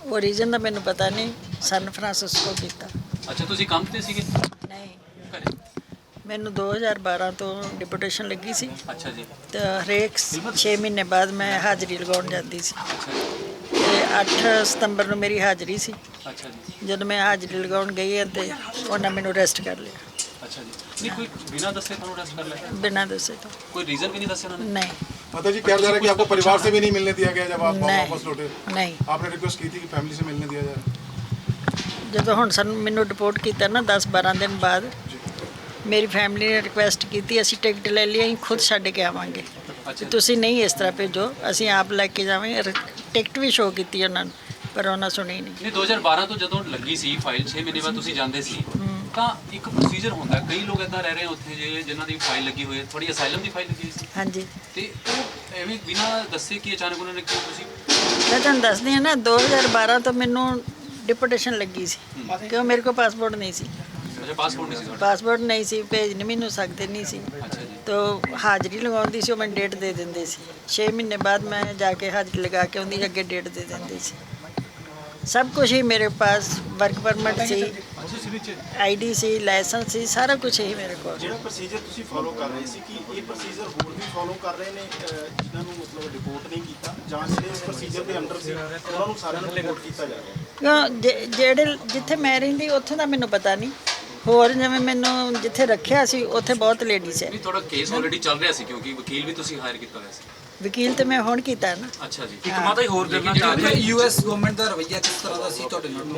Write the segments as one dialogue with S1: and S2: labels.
S1: ਉਹ ਰੀਜ਼ਨ ਦਾ ਮੈਨੂੰ ਪਤਾ ਨਹੀਂ। ਸਨ ਫਰਾਂਸਿਸਕੋ ਕੀਤਾ।
S2: ਅੱਛਾ, ਤੁਸੀਂ ਕੰਮ ਤੇ ਸੀਗੇ?
S1: ਨਹੀਂ,
S2: ਘਰੇ?
S1: ਮੈਨੂੰ 2012 ਤੋਂ ਡਿਪੂਟੇਸ਼ਨ ਲੱਗੀ ਸੀ।
S2: ਅੱਛਾ ਜੀ।
S1: ਤੇ ਹਰੇਕ 6 ਮਹੀਨੇ ਬਾਅਦ ਮੈਂ ਹਾਜ਼ਰੀ ਲਗਾਉਣ ਜਾਂਦੀ ਸੀ।
S2: ਅੱਛਾ ਜੀ।
S1: ਤੇ 8 ਸਤੰਬਰ ਨੂੰ ਮੇਰੀ ਹਾਜ਼ਰੀ ਸੀ।
S2: ਅੱਛਾ ਜੀ।
S1: ਜਦੋਂ ਮੈਂ ਹਾਜ਼ਰੀ ਲਗਾਉਣ ਗਈ ਤੇ ਉਹਨਾਂ ਮੈਨੂੰ ਅਰੈਸਟ ਕਰ ਲਿਆ।
S2: ਅੱਛਾ ਜੀ। नहीं कोई बिना दसे ਤੁਹਾਨੂੰ ਅਰੈਸਟ ਕਰ ਲਿਆ?
S1: बिना दसे तो
S2: कोई रीजन भी नहीं दसे उन्होंने?
S1: नहीं।
S3: माता जी, कहा जा रहा है कि आपको परिवार से भी नहीं मिलने दिया गया जब आप वापस लौटे?
S1: नहीं।
S3: आपने रिक्वेस्ट की थी कि फैमिली से मिलने दिया जाए?
S1: ਜਦੋਂ ਹੁਣ ਸਾਨੂੰ ਮੈਨੂੰ ਰਿਪੋਰਟ ਕੀਤਾ ਨਾ 10-12 ਦਿਨ ਬਾਅਦ, ਮੇਰੀ ਫੈਮਿਲੀ ਨੇ ਰਿਕੁਐਸਟ ਕੀਤੀ ਅਸੀਂ ਟਿਕਟ ਲੈ ਲਈ, ਅਸੀਂ ਖੁਦ ਛੱਡ ਕੇ ਆਵਾਂਗੇ, ਤੁਸੀਂ ਨਹੀਂ ਇਸ ਤਰ੍ਹਾਂ ਭੇਜੋ, ਅਸੀਂ ਆਪ ਲੈ ਕੇ ਜਾਵਾਂਗੇ। ਟਿਕਟ ਵੀ ਸ਼ੋਅ ਕੀਤੀ ਉਹਨਾਂ ਨੂੰ, ਪਰ ਉਹਨਾਂ ਸੁਣੀ ਨਹੀਂ।
S2: ਨਹੀਂ 2012 ਤੋਂ ਜਦੋਂ ਲੱਗੀ ਸੀ ਫਾਈਲ 6 ਮਹੀਨੇ ਬਾਅਦ ਤੁਸੀਂ ਜਾਂਦੇ ਸੀ ਤਾਂ ਇੱਕ ਪ੍ਰੋਸੀਜਰ ਹੁੰਦਾ, ਕਈ ਲੋਕ ਇੱਦਾਂ ਰਹਿ ਰਹੇ ਉੱਥੇ ਜੇ ਜਿਨ੍ਹਾਂ ਦੀ ਫਾਈਲ ਲੱਗੀ ਹੋਈ ਹੈ, ਥੋੜੀ ਅਸਾਈਲਮ ਦੀ ਫਾਈਲ ਲੱਗੀ ਸੀ।
S1: ਹਾਂਜੀ।
S2: ਤੇ ਉਹ ਐਵੇਂ ਬਿਨਾਂ ਦੱਸੇ ਕਿ ਅਚਾਨਕ ਉਹਨਾਂ ਨੇ ਕਿਉਂ ਤੁਸੀਂ?
S1: ਮੈਂ ਤੁਹਾਨੂੰ ਦੱਸਦੀ ਹਾਂ ਨਾ, 2012 ਤੋਂ ਮੈਨੂੰ ਡਿਪੂਟੇਸ਼ਨ ਲੱਗੀ ਸੀ ਕਿਉਂ ਮੇਰੇ ਕੋਲ ਪਾਸਪੋਰਟ ਨਹੀਂ ਸੀ।
S2: ਅੱਛਾ, ਪਾਸਪੋਰਟ ਨਹੀਂ ਸੀ ਤੁਹਾਡਾ?
S1: ਪਾਸਪੋਰਟ ਨਹੀਂ ਸੀ, ਭੇਜ ਨਹੀਂ ਮੈਨੂੰ ਸਕਦੇ ਨਹੀਂ ਸੀ।
S2: ਅੱਛਾ ਜੀ।
S1: ਤਾਂ ਹਾਜ਼ਰੀ ਲਗਾਉਂਦੀ ਸੀ, ਉਹ ਮੈਨੂੰ ਡੇਟ ਦੇ ਦਿੰਦੇ ਸੀ। 6 ਮਹੀਨੇ ਬਾਅਦ ਮੈਂ ਜਾ ਕੇ ਹਾਜ਼ਰੀ ਲਗਾ ਕੇ ਉਹਦੀ ਅੱਗੇ ਡੇਟ ਦੇ ਦਿੰਦੇ ਸੀ। सब कुछ ही मेरे पास, वर्क परमिट सी, आईडी सी, लाइसेंस सी, सारा कुछ ही मेरे को।
S4: ਜਿਹੜਾ ਪ੍ਰੋਸੀਜਰ ਤੁਸੀਂ ਫੋਲੋ ਕਰ ਰਹੇ ਸੀ ਕਿ ਇਹ ਪ੍ਰੋਸੀਜਰ ਹੋਰ ਵੀ ਫੋਲੋ ਕਰ ਰਹੇ ਨੇ ਜਿਨ੍ਹਾਂ ਨੂੰ ਮਤਲਬ ਰਿਪੋਰਟ ਨਹੀਂ ਕੀਤਾ ਜਾਂ ਜਿਹੜੇ ਇਸ ਪ੍ਰੋਸੀਜਰ ਦੇ ਅੰਡਰ ਸੀ ਉਹਨਾਂ ਨੂੰ ਸਾਰਿਆਂ ਨੂੰ ਰਿਪੋਰਟ ਕੀਤਾ ਜਾ ਰਿਹਾ?
S1: ਕਿਉਂ ਜਿਹੜੇ ਜਿੱਥੇ ਮੈਂ ਰਹਿੰਦੀ ਉੱਥੇ ਦਾ ਮੈਨੂੰ ਪਤਾ ਨਹੀਂ, ਹੋਰ ਜਿਵੇਂ ਮੈਨੂੰ ਜਿੱਥੇ ਰੱਖਿਆ ਸੀ ਉੱਥੇ ਬਹੁਤ ਲੇਡੀਜ਼ ਹੈ।
S2: ਨਹੀਂ, ਤੁਹਾਡਾ ਕੇਸ ਆਲਰੇਡੀ ਚੱਲ ਰਿਹਾ ਸੀ ਕਿਉਂਕਿ ਵਕੀਲ ਵੀ ਤੁਸੀਂ ਹਾਇਰ ਕੀਤਾ ਹੋਇਆ ਸੀ।
S1: ਵਕੀਲ ਤੇ ਮੈਂ ਹੁਣ ਕੀਤਾ ਨਾ।
S2: ਅੱਛਾ ਜੀ।
S5: ਇੱਕ ਮਾਤਾ ਜੀ ਹੋਰ ਕਰਨਾ ਚਾਹ ਰਹੀ
S6: ਯੂਐਸ ਗਵਰਨਮੈਂਟ ਦਾ ਰਵੱਈਆ ਕਿਸ ਤਰ੍ਹਾਂ ਦਾ ਸੀ ਤੁਹਾਡੇ ਨਾਲ?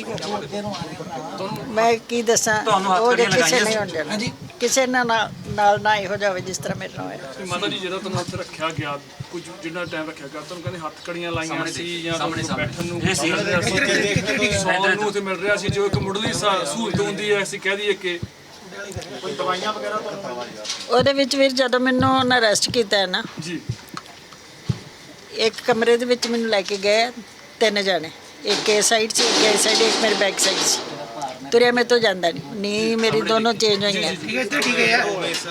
S1: ਮੈਂ ਕੀ ਦੱਸਾਂ,
S5: ਤੁਹਾਨੂੰ ਹੱਥ
S1: ਉਹ ਜੇ
S5: ਕੜੀਆਂ
S1: ਕਿਸੇ
S5: ਲਗਾਈਆਂ
S1: ਨਹੀਂ
S5: ਸੀ?
S1: ਹੋਣ ਦੇਣਾ,
S6: ਹਾਂਜੀ।
S1: ਕਿਸੇ ਨਾਲ ਨਾ ਇਹੋ ਜਾਵੇ ਜਿਸ ਤਰ੍ਹਾਂ ਮੇਰੇ ਨਾਲ ਹੋਇਆ।
S7: ਮਾਤਾ ਜੀ ਜਦੋਂ ਤੁਹਾਨੂੰ ਉੱਥੇ ਰੱਖਿਆ ਗਿਆ, ਕੁਝ ਜਿੰਨਾ ਟਾਈਮ ਰੱਖਿਆ ਗਿਆ, ਤੁਹਾਨੂੰ ਕਹਿੰਦੇ ਹੱਥ ਕੜੀਆਂ ਲਾਈਆਂ ਸੀ ਜਾਂ
S2: ਸਾਹਮਣੇ
S7: ਬੈਠਣ ਨੂੰ
S5: ਇਹ ਸੀ।
S7: ਸੌਣ ਨੂੰ ਉੱਥੇ ਮਿਲ ਰਿਹਾ ਸੀ, ਜੋ ਇੱਕ ਮੁੱਢਲੀ ਸਹੂਲਤ ਹੁੰਦੀ ਹੈ, ਅਸੀਂ ਕਹਿ ਦਈਏ ਕਿ
S4: ਕੋਈ ਦਵਾਈਆਂ ਵਗੈਰਾ ਤੁਹਾਨੂੰ?
S1: ਉਹਦੇ ਵਿੱਚ ਵੀ ਜਦੋਂ ਮੈਨੂੰ ਉਹਨਾਂ ਅਰੈਸਟ ਕੀਤਾ ਹੈ ਨਾ,
S7: ਜੀ
S1: ਇੱਕ ਕਮਰੇ ਦੇ ਵਿੱਚ ਮੈਨੂੰ ਲੈ ਕੇ ਗਏ 3 ਜਾਣੇ, ਇੱਕ ਇਸ ਸਾਈਡ ਸੀ, ਇੱਕ ਇਸ ਸਾਈਡ, ਇੱਕ ਮੇਰੇ ਬੈਕ ਸਾਈਡ ਸੀ। ਤੁਰਿਆ ਮੇਰੇ ਤੋਂ ਜਾਂਦਾ ਨਹੀਂ ਮੇਰੀ ਦੋਨੋਂ ਚੇਂਜ ਹੋਈਆਂ।
S6: ਠੀਕ ਹੈ ਠੀਕ ਹੈ ਯਾਰ।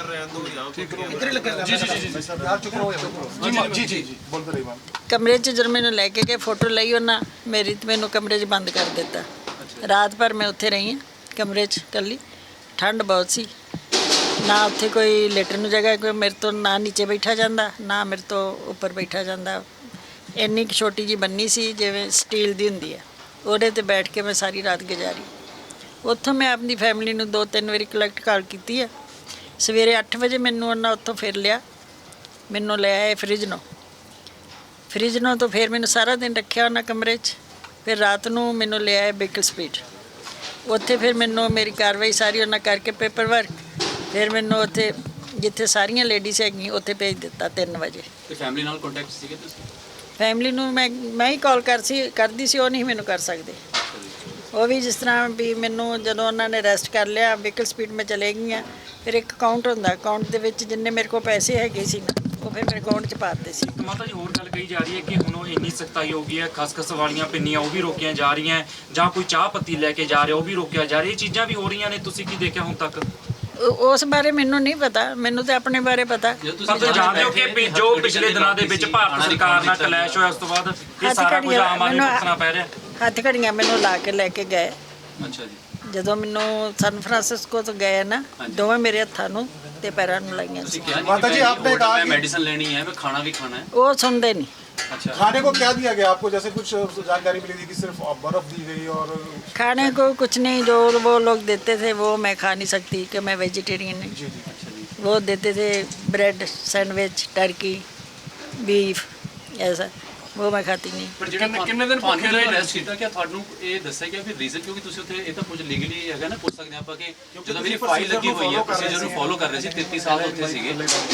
S3: जी जी जी बोलते रहिए मैम।
S1: ਕਮਰੇ 'ਚ ਜਦੋਂ ਮੈਨੂੰ ਲੈ ਕੇ ਗਏ, ਫੋਟੋ ਲਈ ਉਹਨਾਂ ਮੇਰੀ ਤੇ ਮੈਨੂੰ ਕਮਰੇ 'ਚ ਬੰਦ ਕਰ ਦਿੱਤਾ। ਰਾਤ ਭਰ ਮੈਂ ਉੱਥੇ ਰਹੀ ਹਾਂ ਕਮਰੇ 'ਚ ਇਕੱਲੀ। ਠੰਡ ਬਹੁਤ ਸੀ, ਨਾ ਉੱਥੇ ਕੋਈ ਲੇਟਣ ਨੂੰ ਜਗ੍ਹਾ, ਕੋਈ ਮੇਰੇ ਤੋਂ ਨਾ ਨੀਚੇ ਬੈਠਾ ਜਾਂਦਾ ਨਾ ਮੇਰੇ ਤੋਂ ਉੱਪਰ ਬੈਠਾ ਜਾਂਦਾ। ਇੰਨੀ ਕੁ ਛੋਟੀ ਜਿਹੀ ਬੰਨੀ ਸੀ ਜਿਵੇਂ ਸਟੀਲ ਦੀ ਹੁੰਦੀ ਹੈ, ਉਹਦੇ 'ਤੇ ਬੈਠ ਕੇ ਮੈਂ ਸਾਰੀ ਰਾਤ ਗੁਜ਼ਾਰੀ। ਉੱਥੋਂ ਮੈਂ ਆਪਣੀ ਫੈਮਿਲੀ ਨੂੰ 2-3 ਵਾਰੀ ਕਲੈਕਟ ਕਾਲ ਕੀਤੀ ਹੈ। ਸਵੇਰੇ 8 ਵਜੇ ਮੈਨੂੰ ਉਹਨਾਂ ਉੱਥੋਂ ਫਿਰ ਲਿਆ, ਮੈਨੂੰ ਲੈ ਆਏ ਫਰਿੱਜ ਨੂੰ ਤੋਂ ਫਿਰ ਮੈਨੂੰ ਸਾਰਾ ਦਿਨ ਰੱਖਿਆ ਉਹਨਾਂ ਕਮਰੇ 'ਚ। ਫਿਰ ਰਾਤ ਨੂੰ ਮੈਨੂੰ ਲੈ ਆਏ ਬੇਕਲ ਸਪੀਡ, ਉੱਥੇ ਫਿਰ ਮੈਨੂੰ ਮੇਰੀ ਕਾਰਵਾਈ ਸਾਰੀ ਉਹਨਾਂ ਕਰਕੇ ਪੇਪਰ ਵਰਕ, ਫਿਰ ਮੈਨੂੰ ਉੱਥੇ ਜਿੱਥੇ ਸਾਰੀਆਂ ਲੇਡੀਜ਼ ਹੈਗੀਆਂ ਉੱਥੇ ਭੇਜ ਦਿੱਤਾ 3 ਵਜੇ।
S2: ਤੇ ਫੈਮਿਲੀ ਨਾਲ ਕੰਟੈਕਟ ਸੀਗੇ ਤੁਸੀਂ?
S1: ਫੈਮਿਲੀ ਨੂੰ ਮੈਂ ਹੀ ਕਾਲ ਕਰਦੀ ਸੀ, ਉਹ ਨਹੀਂ ਮੈਨੂੰ ਕਰ ਸਕਦੇ। ਉਹ ਵੀ ਜਿਸ ਤਰ੍ਹਾਂ ਵੀ ਮੈਨੂੰ ਜਦੋਂ ਉਹਨਾਂ ਨੇ ਅਰੈਸਟ ਕਰ ਲਿਆ, ਵਹੀਕਲ ਸਪੀਡ ਮੈਂ ਚਲੇ ਗਈਆਂ, ਫਿਰ ਇੱਕ ਅਕਾਊਂਟ ਹੁੰਦਾ, ਅਕਾਊਂਟ ਦੇ ਵਿੱਚ ਜਿੰਨੇ ਮੇਰੇ ਕੋਲ ਪੈਸੇ ਹੈਗੇ ਸੀ ਨਾ ਉਹ ਫਿਰ ਮੇਰੇ ਅਕਾਊਂਟ 'ਚ ਪਾ ਦਿੱਤੇ ਸੀ।
S5: ਮਾਤਾ ਜੀ ਹੋਰ ਗੱਲ ਕਹੀ ਜਾ ਰਹੀ ਹੈ ਕਿ ਹੁਣ ਉਹ ਇੰਨੀ ਸਖਤਾਈ ਹੋ ਗਈ ਹੈ, ਖਸਖਸ ਵਾਲੀਆਂ ਪਿੰਨੀਆਂ ਉਹ ਵੀ ਰੋਕੀਆਂ ਜਾ ਰਹੀਆਂ, ਜਾਂ ਕੋਈ ਚਾਹ ਪੱਤੀ ਲੈ ਕੇ ਜਾ ਰਿਹਾ ਉਹ ਵੀ ਰੋਕਿਆ ਜਾ ਰਿਹਾ, ਇਹ ਚੀਜ਼ਾਂ ਵੀ ਹੋ ਰਹੀਆਂ ਨੇ, ਤੁਸੀਂ ਕੀ ਦੇਖਿਆ ਹੁਣ ਤੱਕ?
S1: ਉਸ ਬਾਰੇ ਮੈਨੂੰ ਨਹੀਂ ਪਤਾ, ਮੈਨੂੰ ਤਾਂ ਆਪਣੇ ਬਾਰੇ ਪਤਾ।
S5: ਪਰ ਤੁਸੀਂ ਜਾਣਦੇ ਹੋ ਕਿ ਜੋ ਪਿਛਲੇ ਦਿਨਾਂ ਦੇ ਵਿੱਚ ਭਾਰਤ ਸਰਕਾਰ ਨਾਲ ਕਲੈਸ਼ ਹੋਇਆ, ਉਸ ਤੋਂ ਬਾਅਦ ਇਹ ਸਾਰਾ ਕੁਝ ਆਮ ਆਦਮੀ ਨੂੰ ਭੁਗਤਣਾ ਪੈ ਰਿਹਾ।
S1: ਹੱਥ ਘੜੀਆਂ ਮੈਨੂੰ ਲਾ ਕੇ ਲੈ ਕੇ ਗਏ।
S2: ਅੱਛਾ ਜੀ।
S1: ਜਦੋਂ ਮੈਨੂੰ ਸਨ ਫਰਾਂਸਿਸਕੋ ਤੋਂ ਗਏ ਨਾ, ਦੋਵੇਂ ਮੇਰੇ ਹੱਥਾਂ ਨੂੰ ਤੇ ਪੈਰਾਂ ਨੂੰ ਲਾਈਆਂ ਸੀ।
S3: माता जी, आपने कहा
S2: मैं
S3: कि
S2: मेडिसिन लेनी है, मैं खाना भी खाना है।
S1: ਉਹ ਸੁਣਦੇ ਨਹੀਂ।
S2: अच्छा,
S3: खाने को क्या दिया गया आपको? जैसे कुछ जानकारी मिली थी कि सिर्फ बर्फ दी गई और
S1: खाने को कुछ नहीं, जो वो लोग देते थे वो मैं खा नहीं सकती कि मैं वेजिटेरियन हूँ।
S3: जी जी
S1: वो देते थे ब्रेड, सैंडविच, टर्की, बीफ, ऐसा वो मैं खाती नहीं।
S2: ਪਰ ਜਿਹੜੇ ਕਿੰਨੇ ਦਿਨ ਭੁੱਖੇ ਰਹੇ ਰੈਸਟ ਕੀਤਾ, ਕਿ ਤੁਹਾਨੂੰ ਇਹ ਦੱਸਿਆ ਗਿਆ ਵੀ ਰੀਜ਼ਨ ਕਿਉਂਕਿ ਤੁਸੀਂ ਉੱਥੇ ਇਹ ਤਾਂ ਕੁਝ ਲੀਗਲੀ ਹੈਗਾ ਨਾ, ਪੁੱਛ ਸਕਦੇ ਆਪਾਂ ਕਿ ਜਦੋਂ ਮੇਰੀ ਫਾਈਲ ਲੱਗੀ ਹੋਈ ਹੈ, ਪ੍ਰੋਸੀਜਰ ਨੂੰ ਫੋਲੋ ਕਰ ਰਹੇ ਸੀ, 33 ਸਾਲ ਉੱਥੇ ਸੀਗੇ।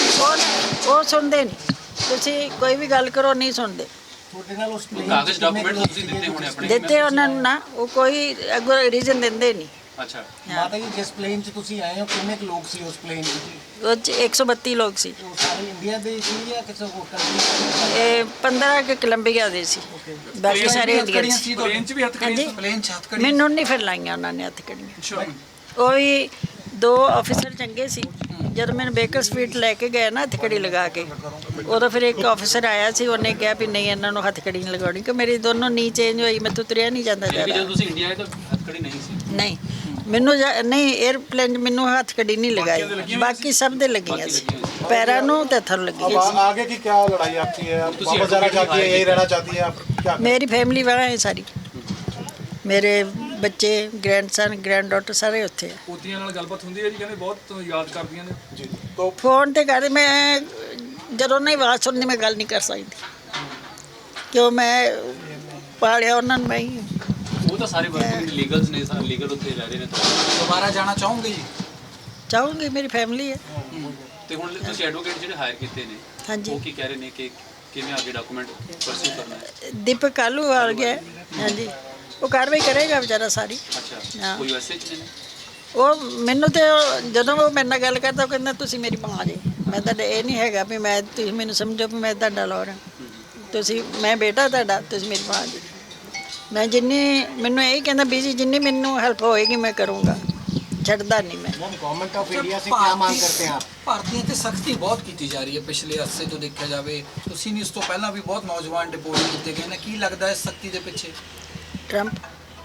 S1: ਉਹ ਸੁਣਦੇ ਨਹੀਂ, ਤੁਸੀਂ ਕੋਈ ਵੀ ਗੱਲ ਕਰੋ ਨਹੀਂ ਸੁਣਦੇ।
S2: ਕਾਗਜ਼ ਡਾਕੂਮੈਂਟ ਤੁਸੀਂ ਦਿੱਤੇ ਹੋਣੇ ਆਪਣੇ?
S1: ਦਿੱਤੇ ਉਹਨਾਂ ਨੂੰ ਨਾ, ਉਹ ਕੋਈ ਅੱਗੋਂ ਰੀਜ਼ਨ ਦਿੰਦੇ ਨਹੀਂ।
S2: ਅੱਛਾ।
S6: ਮਾਤਾ ਜੀ, ਜਿਸ ਪਲੇਨ 'ਚ ਤੁਸੀਂ ਆਏ ਹੋ ਕਿੰਨੇ ਕੁ ਲੋਕ ਸੀ ਉਸ ਪਲੇਨ 'ਚ?
S1: ਉਹ 'ਚ 132 ਲੋਕ ਸੀ।
S6: ਉਹ ਸਾਰੇ ਇੰਡੀਆ ਦੇ ਸੀ ਜਾਂ ਕਿਸੇ ਹੋਰ ਕੰਟਰੀ?
S1: ਇਹ 15 ਕਿ ਕੋਲੰਬੀਆ ਦੇ ਸੀ, ਬਾਕੀ ਸਾਰੇ ਇੰਡੀਅਨ ਸੀ।
S7: ਪਲੇਨ 'ਚ ਵੀ ਹੱਥ
S1: ਹਾਂਜੀ,
S6: ਪਲੇਨ 'ਚ ਹੱਥ ਕੜੀ?
S1: ਮੈਨੂੰ ਨਹੀਂ ਫਿਰ ਲਾਈਆਂ ਉਹਨਾਂ ਨੇ ਹੱਥ ਕੜੀਆਂ। ਉਹ ਵੀ 2 ਆਫੀਸਰ ਚੰਗੇ ਸੀ, ਜਦੋਂ ਮੈਨੂੰ ਬੇਕਰ ਸਟਰੀਟ ਲੈ ਕੇ ਗਏ ਨਾ ਹੱਥਕੜੀ ਲਗਾ ਕੇ, ਉਦੋਂ ਫਿਰ ਇੱਕ ਆਫੀਸਰ ਆਇਆ ਸੀ, ਉਹਨੇ ਕਿਹਾ ਵੀ ਨਹੀਂ ਇਹਨਾਂ ਨੂੰ ਹੱਥਕੜੀ ਨਹੀਂ ਲਗਾਉਣੀ, ਕਿ ਮੇਰੀ ਦੋਨੋਂ ਨੀ ਚੇਂਜ ਹੋਈ, ਮੈਥੋਂ ਤੁਰਿਆ ਨਹੀਂ ਜਾਂਦਾ
S2: ਕਿ
S1: ਜ਼ਿਆਦਾ।
S2: ਜਦੋਂ ਤੁਸੀਂ ਇੰਡੀਆ ਆਏ ਤਾਂ ਹੱਥਕੜੀ ਨਹੀਂ ਸੀ।
S1: ਨਹੀਂ ਮੈਨੂੰ ਨਹੀਂ 에ਅਰਪਲੇਨ 'ਚ ਮੈਨੂੰ ਹੱਥਕੜੀ ਨਹੀਂ ਲਗਾਈ, ਬਾਕੀ ਸਭ ਦੇ ਲੱਗੀਆਂ ਸੀ, ਪੈਰਾਂ ਨੂੰ ਤੇ ਹੱਥਾਂ ਨੂੰ
S3: अब
S1: ਲੱਗੀਆਂ ਸੀ।
S3: आगे की क्या लड़ाई आपकी है? आप वापस जाना चाहती है, यही रहना चाहती है, आप क्या?
S1: ਮੇਰੀ ਫੈਮਿਲੀ ਵਾਲਾ ਹੈ ਸਾਰੀ, ਮੇਰੇ ਬੱਚੇ, ਗ੍ਰੈਂਡਸਨ, ਗ੍ਰੈਂਡਡਾਟਰ ਸਾਰੇ ਉੱਥੇ ਆ।
S7: ਪੋਤੀਆਂ ਨਾਲ ਗੱਲਬਾਤ ਹੁੰਦੀ ਹੈ ਜੀ, ਕਹਿੰਦੇ ਬਹੁਤ ਯਾਦ ਕਰਦੀਆਂ ਨੇ।
S3: जी तो
S1: ਫੋਨ ਤੇ ਕਰ, ਮੈਂ ਜਦੋਂ ਨਹੀਂ ਆਵਾਜ਼ ਸੁਣਨੀ ਮੈਂ ਗੱਲ ਨਹੀਂ ਕਰ ਸਕਦੀ, ਕਿਉਂ ਮੈਂ ਪਾਲਿਆ ਉਹਨਾਂ ਨੂੰ ਮੈਂ ਹੀ।
S2: ਉਹ ਤਾਂ ਸਾਰੇ ਵਰਕਿੰਗ ਲੀਗਲਸ ਨੇ, ਸਾਰੇ ਲੀਗਲ ਉੱਥੇ ਰਹਿ ਰਹੇ ਨੇ।
S6: ਦੁਬਾਰਾ ਜਾਣਾ ਚਾਹੋਗੇ ਜੀ?
S1: ਚਾਹੂੰਗੀ, ਮੇਰੀ ਫੈਮਿਲੀ ਹੈ।
S2: ਤੇ ਹੁਣ ਤੁਸੀਂ ਐਡਵੋਕੇਟ ਜਿਹੜੇ ਹਾਇਰ ਕੀਤੇ ਨੇ,
S1: ਹਾਂਜੀ,
S2: ਉਹ ਕੀ ਕਹਿ ਰਹੇ ਨੇ ਕਿ ਕਿਵੇਂ ਅੱਗੇ ਡਾਕੂਮੈਂਟ ਪਰਸਿਊ ਕਰਨਾ ਹੈ?
S1: ਦੀਪਕ ਕਾਲੂ ਆ ਗਿਆ, ਹਾਂਜੀ, ਉਹ ਕਾਰਵਾਈ ਕਰੇਗਾ ਵਿਚਾਰਾ ਸਾਰੀ।
S2: ਅੱਛਾ,
S1: ਹਾਂ।
S2: ਕੋਈ ਵੈਸੇ ਚ ਨੇ?
S1: ਉਹ ਮੈਨੂੰ ਤੇ ਜਦੋਂ ਉਹ ਮੇਰੇ ਨਾਲ ਗੱਲ ਕਰਦਾ, ਉਹ ਕਹਿੰਦਾ ਤੁਸੀਂ ਮੇਰੀ ਮਾਂ ਜੀ। ਮੈਂ ਤਾਂ ਇਹ ਨਹੀਂ ਹੈਗਾ ਵੀ ਮੈਂ, ਤੁਸੀਂ ਮੈਨੂੰ ਸਮਝੋ ਵੀ ਮੈਂ ਤੁਹਾਡਾ ਲੋਰ ਹਾਂ, ਤੁਸੀਂ, ਮੈਂ ਬੇਟਾ ਤੁਹਾਡਾ, ਤੁਸੀਂ ਮੇਰੀ ਮਾਂ ਜੀ। ਮੈਂ ਜਿੰਨੀ, ਮੈਨੂੰ ਇਹ ਕਹਿੰਦਾ ਵੀ ਜੀ ਜਿੰਨੀ ਮੈਨੂੰ ਹੈਲਪ ਹੋਏਗੀ ਮੈਂ ਕਰੂੰਗਾ, ਛੱਡਦਾ ਨਹੀਂ ਮੈਂ।
S6: गवर्नमेंट ऑफ इंडिया से क्या मांग करते हैं आप?
S8: ਭਾਰਤੀਆਂ ਤੇ ਸਖਤੀ ਬਹੁਤ ਕੀਤੀ ਜਾ ਰਹੀ ਹੈ ਪਿਛਲੇ ਅਰਸੇ ਤੋਂ ਦੇਖਿਆ ਜਾਵੇ। ਤੁਸੀਂ ਨਹੀਂ, ਉਸ ਤੋਂ ਪਹਿਲਾਂ ਵੀ ਬਹੁਤ ਨੌਜਵਾਨ ਡਿਪੋਰਟ ਕੀਤੇ ਗਏ ਨੇ। ਕੀ ਲੱਗਦਾ ਹੈ ਸਖਤੀ ਦੇ ਪਿੱਛੇ?
S1: ਟਰੰਪ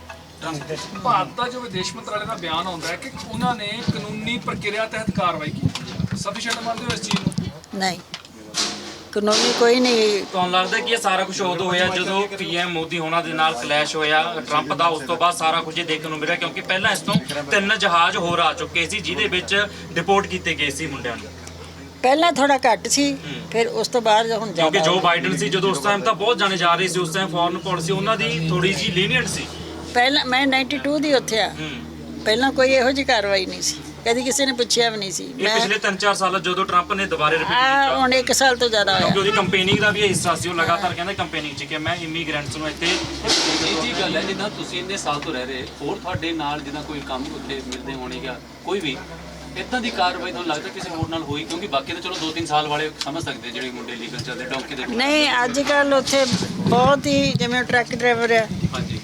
S7: ਭਾਰਤ ਦਾ ਜੋ ਵਿਦੇਸ਼ ਮੰਤਰਾਲੇ ਦਾ ਬਿਆਨ ਆਉਂਦਾ ਹੈ ਕਿ ਉਹਨਾਂ ਨੇ ਕਾਨੂੰਨੀ ਪ੍ਰਕਿਰਿਆ ਤਹਿਤ ਕਾਰਵਾਈ ਕੀਤੀ। ਸਫੀਸ਼ੀਐਂਟ ਮੰਨਦੇ ਹੋ ਇਸ ਚੀਜ਼ ਨੂੰ?
S1: ਨਹੀਂ, ਕਾਨੂੰਨੀ ਕੋਈ ਨਹੀਂ।
S5: ਤੁਹਾਨੂੰ ਲੱਗਦਾ ਕਿ ਇਹ ਸਾਰਾ ਕੁਝ ਉਦੋਂ ਹੋਇਆ ਜਦੋਂ ਪੀਐਮ ਮੋਦੀ ਹੋਣਾ ਦੇ ਨਾਲ ਕਲੈਸ਼ ਹੋਇਆ ਟਰੰਪ ਦਾ, ਉਸ ਤੋਂ ਬਾਅਦ ਸਾਰਾ ਕੁਝ ਇਹ ਦੇਖਣ ਨੂੰ ਮਿਲਿਆ? ਕਿਉਂਕਿ ਪਹਿਲਾਂ ਇਸ ਤੋਂ 3 ਜਹਾਜ਼ ਹੋਰ ਆ ਚੁੱਕੇ ਸੀ ਜਿਹਦੇ ਵਿੱਚ ਡਿਪੋਰਟ ਕੀਤੇ ਗਏ ਸੀ ਮੁੰਡਿਆਂ ਨੂੰ।
S1: ਪਹਿਲਾਂ ਥੋੜਾ ਘੱਟ ਸੀ, ਫਿਰ ਉਸ ਤੋਂ ਬਾਅਦ ਹੁਣ
S5: ਕਿਉਂਕਿ
S1: ਜ਼ਿਆਦਾ
S5: ਜੋ
S1: ਹੋ ਗਿਆ।
S5: ਬਾਈਡਨ ਸੀ ਜਦੋਂ ਉਸ ਟਾਈਮ ਤਾਂ ਬਹੁਤ ਜਾਣੇ ਜਾ ਰਹੇ ਸੀ, ਉਸ ਟਾਈਮ ਫੋਰਨ ਪਾਲਿਸੀ ਉਹਨਾਂ ਦੀ ਥੋੜੀ ਜਿਹੀ ਲੀਨੀਅੰਟ ਸੀ।
S1: ਪਹਿਲਾਂ ਮੈਂ 92 ਦੀ ਉੱਥੇ ਆ, ਪਹਿਲਾਂ ਕੋਈ ਇਹੋ ਜਿਹੀ ਕਾਰਵਾਈ ਨਹੀਂ ਸੀ, ਕਦੀ ਕਿਸੇ ਨੇ ਪੁੱਛਿਆ ਵੀ ਨਹੀਂ ਸੀ।
S5: ਇਹ
S1: ਮੈਂ
S5: ਪਿਛਲੇ 3-4 ਸਾਲਾਂ ਜਦੋਂ ਟਰੰਪ ਨੇ ਦੁਬਾਰੇ ਰਿਪੀਟ
S1: ਆ
S5: ਕੀਤਾ,
S1: ਹੁਣ 1 ਸਾਲ ਤੋਂ ਜ਼ਿਆਦਾ
S5: ਕਿਉਂਕਿ
S1: ਹੋਇਆ।
S5: ਉਹਦੀ ਕੰਪੇਨਿੰਗ ਦਾ ਵੀ ਇਹ ਹਿੱਸਾ ਸੀ। ਉਹ ਲਗਾਤਾਰ ਕਹਿੰਦਾ ਕੰਪੇਨਿੰਗ 'ਚ ਕਿ ਮੈਂ ਇਮੀਗ੍ਰੈਂਟਸ ਨੂੰ ਇੱਥੇ
S2: ਇਹ ਜੀ ਗੱਲ ਹੈ, ਜਿੱਦਾਂ ਤੁਸੀਂ ਇੰਨੇ ਸਾਲ ਤੋਂ ਰਹਿ ਰਹੇ, ਹੋਰ ਤੁਹਾਡੇ ਨਾਲ ਜਿੱਦਾਂ ਕੋਈ ਕੰਮ ਉੱਥੇ ਮਿਲਦੇ ਹੋਣੇ ਜਾਂ ਕੋਈ ਵੀ ਇਦਾਂ ਦੀ ਕਾਰਵਾਈ ਤੁਹਾਨੂੰ ਲੱਗਦਾ ਕਿਸੇ ਹੋਰ ਨਾਲ ਹੋਈ? ਕਿਉਂਕਿ ਬਾਕੀ ਤਾਂ ਚਲੋ 2-3 ਸਾਲ ਵਾਲੇ ਸਮਝ ਸਕਦੇ ਜਿਹੜੇ ਮੁੰਡੇ ਲੀਗਲ ਚੱਲਦੇ ਡੌਂਕੀ ਦੇ।
S1: ਨਹੀਂ, ਅੱਜ ਕੱਲ ਉੱਥੇ ਬਹੁਤ ਹੀ, ਜਿਵੇਂ ਟਰੱਕ ਡਰਾਈਵਰ ਆ,
S2: ਹਾਂਜੀ,